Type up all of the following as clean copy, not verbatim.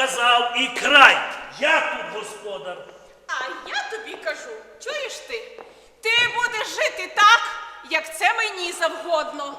сказав і край. Я тут господар. А я тобі кажу, чуєш ти? Ти будеш жити так, як це мені завгодно.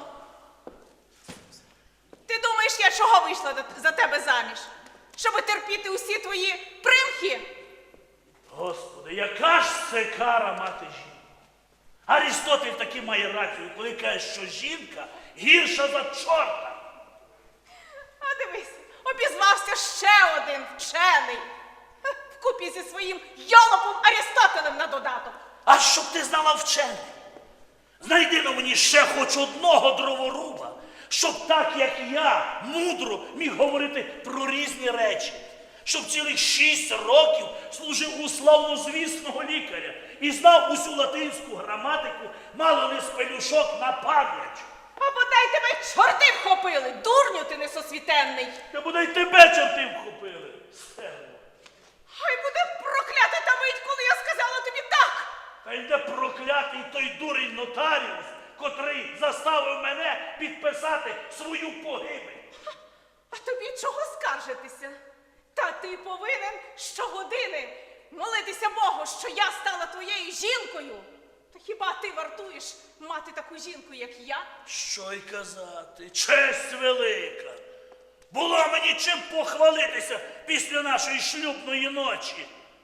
Ти думаєш, я чого вийшла за тебе заміж? Щоби терпіти усі твої примхи? Господи, яка ж це кара мати жінку? Арістотель таки має рацію, коли каже, що жінка гірша за чорта. А дивись, обізвався ще один вчений. Вкупі зі своїм йолопом Арістотелем на додаток. А щоб ти знала вчений, знайди на мені ще хоч одного дроворуба, щоб так, як я, мудро міг говорити про різні речі. Щоб цілих 6 років служив у славнозвісного лікаря і знав усю латинську граматику, мало не з пелюшок на пам'ять. А бодай тебе чорти вхопили, дурню ти несосвітенний. Та бодай тебе чорти вхопили, стерво. Хай буде проклята та мить, коли я сказала тобі так. Та йде проклятий той дурень нотаріус, котрий заставив мене підписати свою погибель. А тобі чого скаржитися? Та ти повинен щогодини молитися Богу, що я стала твоєю жінкою. Та хіба ти вартуєш мати таку жінку, як я? Що й казати, честь велика. Було мені чим похвалитися після нашої шлюбної ночі.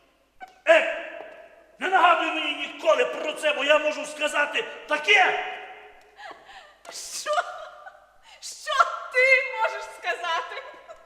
Не нагадуй мені ніколи про це, бо я можу сказати таке. Що? Що ти можеш сказати?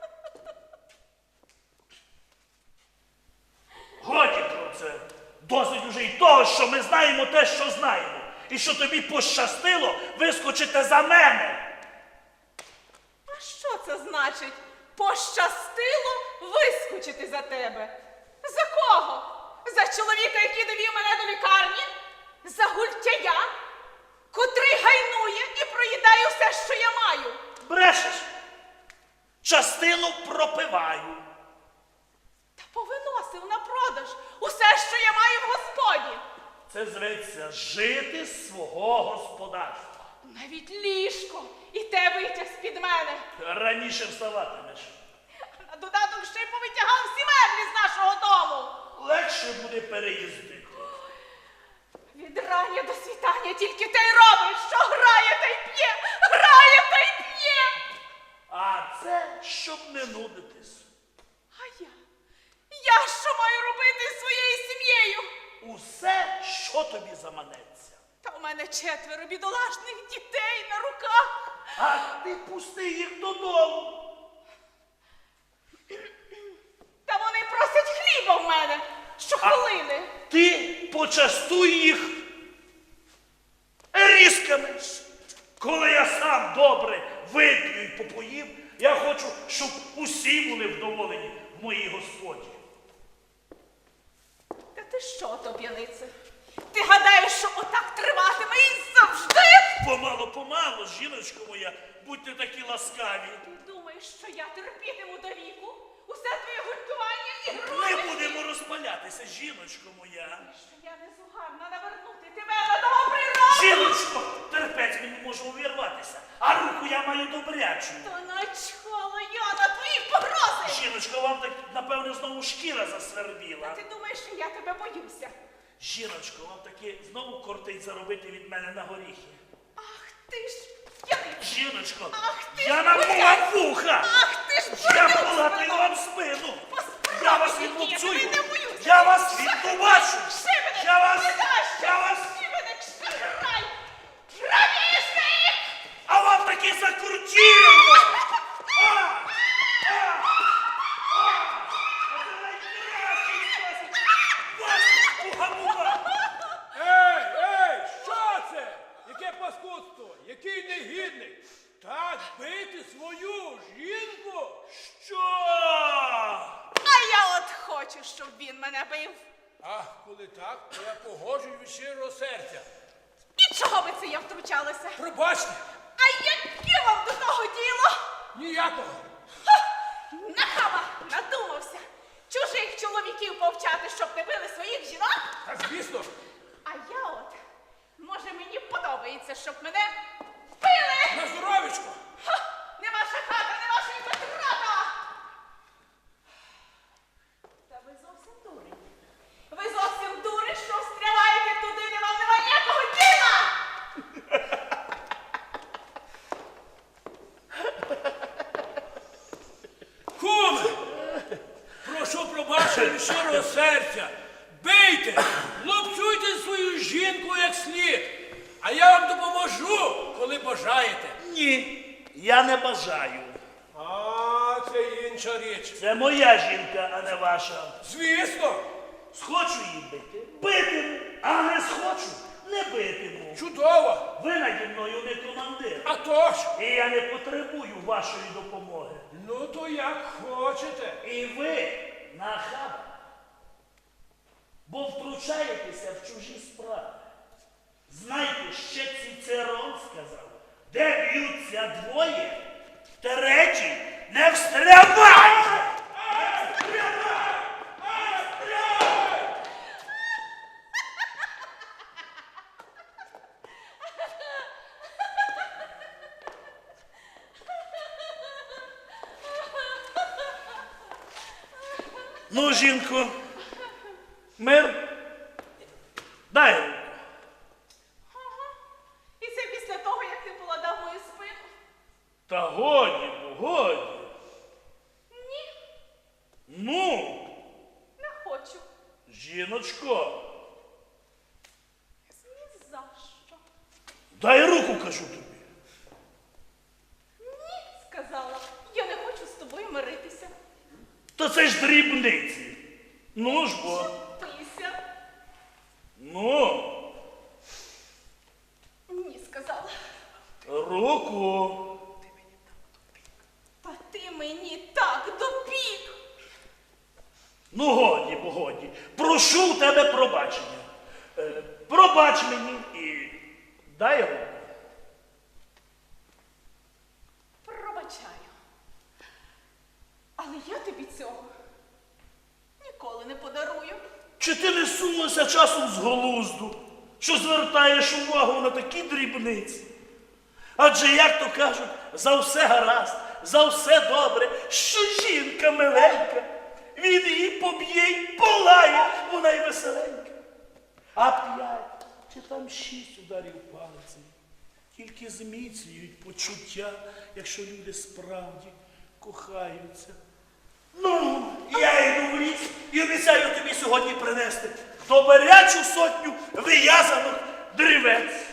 Годі про це. Досить уже й того, що ми знаємо те, що знаємо. І що тобі пощастило вискочити за мене. А що це значить? Пощастило вискочити за тебе? За кого? За чоловіка, який довів мене до лікарні? За гультяя, котрий гайнує і проїдає все, що я маю? Брешеш? Частину пропиваю. Та повиносив на продаж усе, що я маю в господі. Це зветься жити з свого господарства. Навіть ліжко і те витяг з-під мене. Раніше вставатимеш. На додаток ще й повитягав всі меблі з нашого дому. Легше буде переїздити. Від рання до світання тільки те й робить, що грає та й п'є, грає та й п'є. А це щоб не нудитись. А я що маю робити з своєю сім'єю? Усе, що тобі заманеться. Та у мене 4 бідолашних дітей на руках. А ти пусти їх додому. Та вони просять хліба в мене щохвилини. Ти почастуй їх різками. Коли я сам добре вип'ю і попоїв, я хочу, щоб усі були вдоволені в моїй господі. Та ти що, тоб'янице? Ти гадаєш, що отак триватиме і завжди? Помало, жіночко моя, будьте такі ласкаві. Ти думаєш, що я терпітиму до віку? Усе твоє гуртування і Не груди? будемо розпалятися, жіночко моя. Що я не зугарна навернути тебе на нову природу? Жіночко, терпець мені може увірватися, а руку я маю добрячу. То начхала я на твої погрози! Жіночко, вам так, напевно, знову шкіра засвербіла. Ти думаєш, що я тебе боюся? Жіночко, вам таки знову кортить заробити від мене на горіхи. Ах ти ж п'яний! Жіночко, Ах ти я ж намував вуха! Ах ти ж Я бурнюк полатаю спину! вам спину! Поспробуй, Я вас який, відлупцюю! я тебе не боюся. Я вас віддубачу! Шибеник! Я вас... Ледаще! Я вас... Шибеник, шаграй! Грабіжник! А вам таки закрутіло! Ей, що це? Яке паскудство? Який негідник? Так бити свою жінку? Що? А я от хочу, щоб він мене бив. Ах, коли так, то я погоджуюсь від щирого серця. І чого би це я втручалася? Пробачте, А яке вам до того діло? ніякого. Нахаба надумався чужих чоловіків повчати, щоб не били своїх жінок? Та звісно, А я от, може, мені подобається, щоб мене били? на здоров'ячко. Ха! Не ваша хата, не ваша і витрата! слід. А я вам допоможу, коли бажаєте. Ні, я не бажаю. А, це інша річ. Це моя жінка, а не ваша. Звісно, Схочу її бити, битиму, а не схочу, не битиму. чудово. Ви наді мною не командир. А то ж. І я не потребую вашої допомоги. Ну, то як хочете. І ви нахаба. Бо втручаєтеся в чужі справи. Знайте, ще Цицерон сказав, де б'ються двоє, третій не встрявай! Ну, жінко, мир, дай руку. Ага. І це після того, як ти поладав мою спину? Та годі, годі. Ні, Ну, не хочу. жіночко, Ні за що. дай руку, кажу тобі. Ні, сказала. Я не хочу з тобою миритися. Та це ж дрібниці. Ну ж бо. Пися. Ну, Ні, сказала. руку. Та ти мені так допік. Ну, годі, бо годі. Прошу у тебе пробачення. Пробач мені і дай руку. Пробачаю. Але я тобі цього ніколи не подарую. Чи ти не сунулася часом з глузду, що звертаєш увагу на такі дрібниці? Адже, як то кажуть, за все гаразд, за все добре, що жінка миленька, він її поб'є й полає, вона й веселенька. А 5 чи там 6 ударів палицею тільки зміцнюють почуття, якщо люди справді кохаються. Ну, я йду в ліс і обіцяю тобі сьогодні принести добрячу сотню виязаних дрівець.